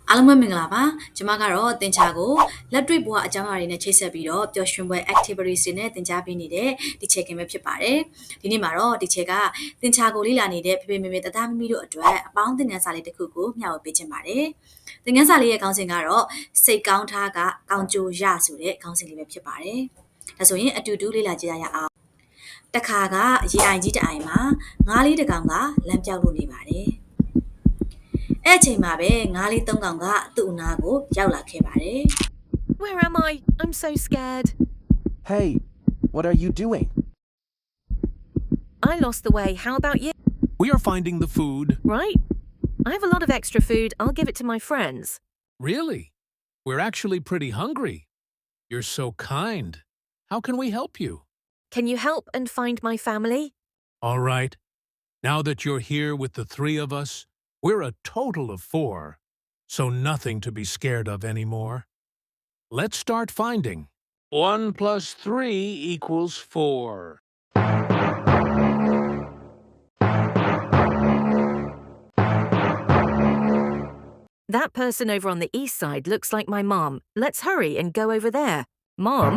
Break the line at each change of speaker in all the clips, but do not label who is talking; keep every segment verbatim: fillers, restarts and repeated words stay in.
အားလုံးပဲမင်္ဂလာပါကျွန်မကတော့သင်ချာကိုလက်တွေ့ဘဝအကြောင်းအရာတွေနဲ့ချိတ်ဆက်ပြီးတော့ပျော်ရွှင်ပွဲ activities တွေနဲ့သင်ကြားပေးနေတဲ့ဒီချက်ကင်ပဲဖြစ်ပါတယ်ဒီနေ့မှာတော့ဒီချက်ကသင်ချာကိုလေ့လာနေတဲ့ဖေဖေမေမေတသားမမီတို့အတွက်အပေါင်းသင်ခန်းစာလေးတစ်ခုကိုမျှဝေပေးခြင်းပါတယ်သင်ခန်းစာလေးရဲ့ခေါင်းစဉ်ကတော့စိတ်ကောင်းထားကကောင်းကျိုးရဆိုတဲ့ခေါင်းစဉ်လေးပဲဖြစ်ပါတယ်ဒါဆိုရင်အတူတူလေ့လာကြရအောင်တခါကရေအိုင်ကြီးတအိုင်မှာငါးလေးတစ်ကောင်ကလမ်းပြောက်လို့နေပါတယ်အဲ့ချိန်မှာပဲငါးလေးသုံးကောင်ကသူ့အနာကိုရောက်လာခဲ့ပါတယ်
Where am I? I'm so scared.
Hey, what are you doing?
I lost the way. How about you?
We are finding the food.
Right? I have a lot of extra food. I'll give it to my friends.
Really? We're actually pretty hungry. You're so kind. How can we help you?
Can you help and find my family?
All right. Now that you're here with the three of us, we're a total of four, so nothing to be scared of anymore. Let's start finding. One plus three equals four.
That person over on the east side looks like my mom. Let's hurry and go over there. Mom?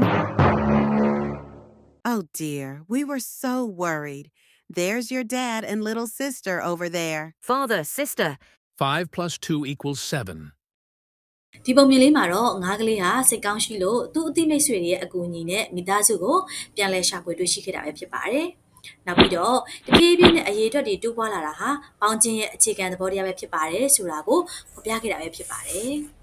Oh dear, we were so worried. There's your dad and little sister over there.
Father, sister.
Five plus two equals seven.
ဒီပုံမြင်လေးမှာတော့ငါးကလေးဟာစိတ်ကောင်းရှိလို့သူ့အသိမိတ်ဆွေတွေရဲ့အကူအညီနဲ့မိသားစုကိုပြန်လည်ရှာဖွေတွေ့ရှိခဲ့တာပဲဖြစ်ပါတယ်။နောက်ပြီးတော့တပြေးပြေးနဲ့အရေးအတွက်တွေတိုးပွားလာတာဟာပေါင်းခြင်းရဲ့အခြေခံသဘောတရားပဲဖြစ်ပါတယ်ဆိုတာကိုဖော်ပြခဲ့တာပဲဖြစ်ပါတယ်။